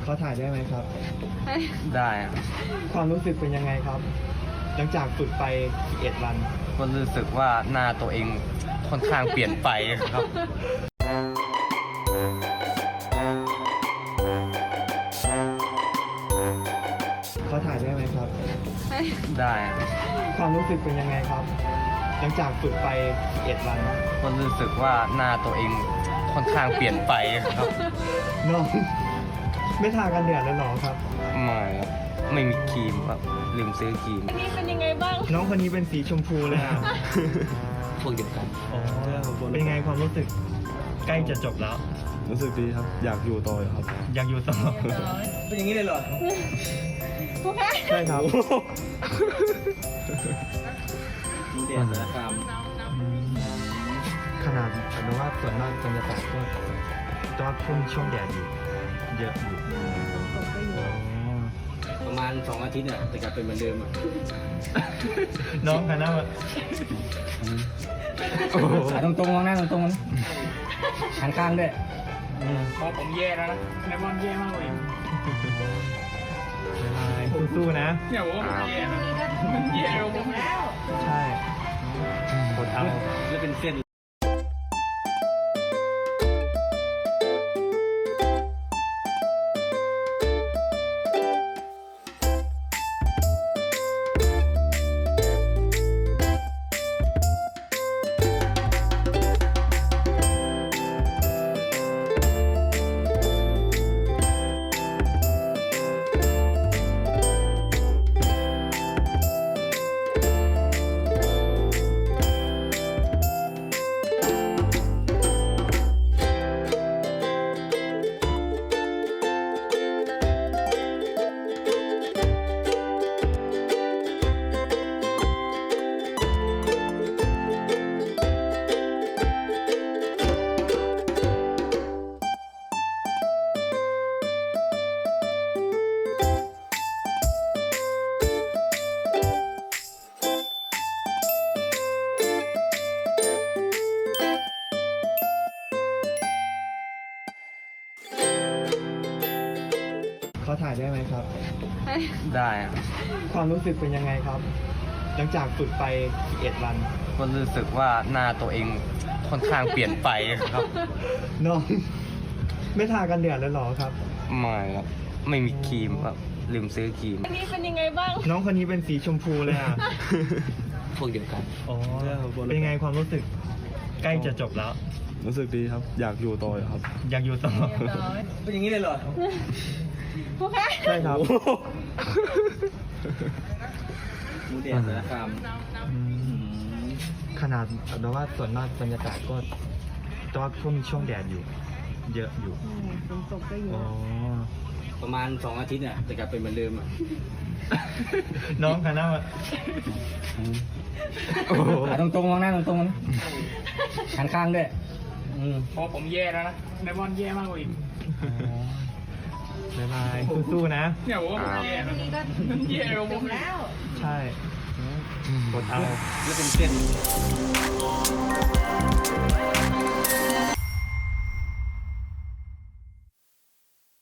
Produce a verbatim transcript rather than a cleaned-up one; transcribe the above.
อถ่ายได้ไหมครับได้อะความรู้สึกเป็นยังไงครับ หลังจากฝึกไปสิบเอ็ดวันก็รู้สึกว่าหน้าตัวเองค่อนข้างเปลี่ยนไปครับขอถ่ายได้ไหมครับได้อะความรู้สึกเป็นยังไงครับ หลังจากฝึกไปสิบเอ็ดวันก็รู้สึกว่าหน้าตัวเองค่อนข้างเปลี่ยนไปครับน้อง ไม่ทากันแดดแล้วหรอครับไม่ครับไม่มีครีมครับลืมซื้อครีมนี่เป็นยังไงบ้างน้องคนนี้เป็นสีชมพูเลยอ่ะพวกเดียวกันอ๋อเป็นไงความรู้สึกใกล้จะจบแล้วรู้สึกดีครับ อยากอยู่ต่อครับอยากอยู่ต่อเป็นอย่างนี้เลยเหรอโอเคใช่ครับมีเดียสารคามขนาดแต่ว่าส่วนมากบรรยากาศก็ก็ช่วงช่วงแดดอยู่ เยอะอยู่อ๋อประมาณสองอาทิตย์เนี่ยแต่กลับเป็นเหมือนเดิมอ่ะน้องกันนะมาโอ้โหตรงตรงๆมองหน้าตรงตรงๆนะหันข้างด้วยพอผมแย่แล้วนะไดมอนด์แย่มากเลยบ๊ายบายสู้ๆนะเนี่ยผมว่าผมแย่นะมันแย่กว่าผมแล้วใช่กดเอาแล้วเป็นเส้นขอถ่ายได้ไหมครับได้อะความรู้สึกเป็นยังไงครับ หลังจากฝึกไปสิบเอ็ดวันก็รู้สึกว่าหน้าตัวเองค่อนข้างเปลี่ยนไปครับน้อง ไม่ทากันแดดแล้วหรอครับไม่ครับไม่มีครีมครับลืมซื้อครีมนี่เป็นยังไงบ้างน้องคนนี้เป็นสีชมพูเลยอ่ะพวกเดียวกันอ๋อเป็นไงความรู้สึกใกล้จะจบแล้วรู้สึกดีครับ อยากอยู่ต่อครับอยากอยู่ต่อเป็นอย่างนี้เลยเหรอโอเคใช่ครับมีเดียสารคามขนาดแต่ว่าส่วนมากบรรยากาศก็ก็ช่วงช่วงแดดอยู่ เยอะอยู่ฝนตกก็เยอ๋ออะประมาณสองอาทิตย์เนี่ยแต่กลับเป็นเหมือนเดิมอ่ะน้องกันนะมาโอ้โหตรงตรงๆมองหน้าตรงตรงๆนะหันข้างด้วยพอผมแย่แล้วนะไดมอนด์แย่มากกว่าอีกบ๊ายบายสู้ๆนะเนี่ยผมว่าผมแย่นะมันแย่กว่าผมแล้วใช่กดเอาแล้วเป็นเส้น